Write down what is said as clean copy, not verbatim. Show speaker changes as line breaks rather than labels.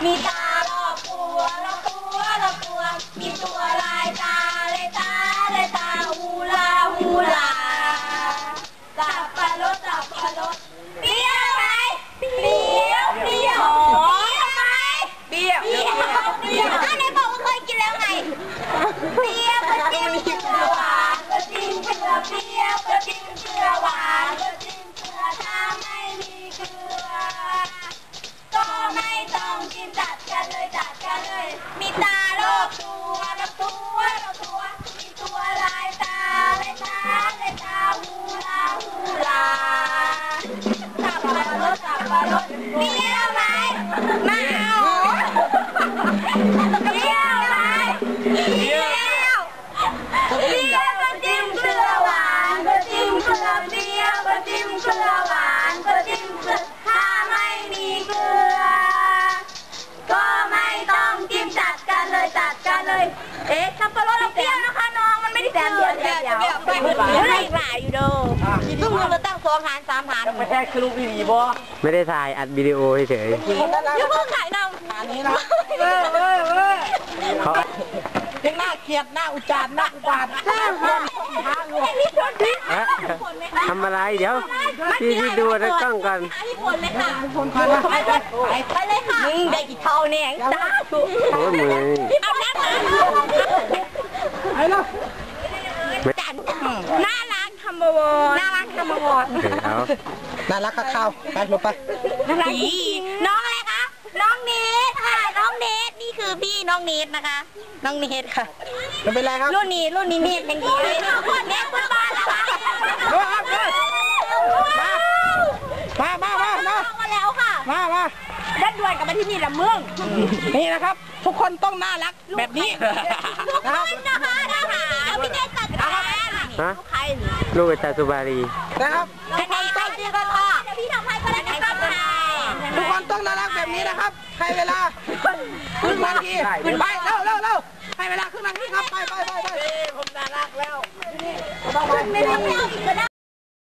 มีตารอบตัวรอบตัวรอบตัวมีตัวลายตาเลยตาเลยตาฮูลาฮูลาสับปะรดสับปะรดเปรี้ยวไหมเปรี้ยวเปรี้ยวไหมเปรี้ยวเปรี้ยวเปรี้ยวไหนบอกว่าเคยกินแล้วไงเปรี้ยวก็จิ้มเกลือหวานก็จิ้มเกลือเปรี้ยวก็จิ้มเกลือหวานก็จิ้มเกลือถ้าไม่มีเกลือก็ไม่ต้องกินจัดกันเลยจัดกันเลยมีตารอบตัวรอบตัวรอบตัวมีตัวลายตาเลยตาเลยตาฮูลาฮูลาสับปะรดสับปะรดเปรี้ยวไหมไม่เอาเปรี้ยวไหมเปรี้ยวเปรี้ยวก็จิ้มเกลือหวานก็จิ้มเกลือเปรี้ยวก็จิ้มเกลือหวานก็จิ้มเกลือถ้าไม่มีเกลือก็ไม่ต้องจิ้มจัดกันเลยจัดกันเลยเอ๊ะสับปะรดเราเปรี้ยวนะคะน้องมันไม่ได้เปรี้ยวเดี๋ยวให้หลายอยู่ดูซึ่งเราตั้ง2 ฐาน 3 ฐาน
ไม่ใช่คือลูกดีบ่
ไม่ได้ถ่ายอัดวิดีโอเฉย
อย่าเพิ่งขายนำฐานนี้นะ
เขา
ยังหน้าเกลียดหน้าอุจารหน้าอุบาท
ทำอะไรเดี๋ยวพี่ดูในกล้องก่อน
ที่ผลเลยค่ะไปเลยค่ะได้กี่เท่าเนี่ยจ้าถูก
โอ้ยมือ
เอาหน้ามา
ไอ้ล่ะ
น่ารักทำบวรน่ารักทำบวร
น่ารักข้าวไปลงไป
น่ารักน้องอะไรคะน้องเนทค่ะน้องเนทนี่คือพี่น้องเนทนะคะน้องเนทค่ะ
ไม่เป็นไรครับ
รุ่นนี้เนทยังดีเลยคนเนทเพื่อนบ้านนะคะ
มา
แล้วค่ะ
มา
ดันด่วนกับมาที่นี่ละเมือง
นี่นะครับทุกคนต้องน่ารักแบบนี้
ทุกคนนะคะพี่เนทจัดการใคร
ลูกอาจารย์สุบารี
นะครับ
ทุกคนต้องดีกันค่ะพี่ทำให้ก็ได้นะครับ
ทุกคนต้องน่ารักแบบนี้นะครับให้เวลาครึ่งนาทีไปเร็วให้เวลาครึ่งนาทีครับไปผมน่ารักแล้ว
ไม่ต้องอีกก็ได้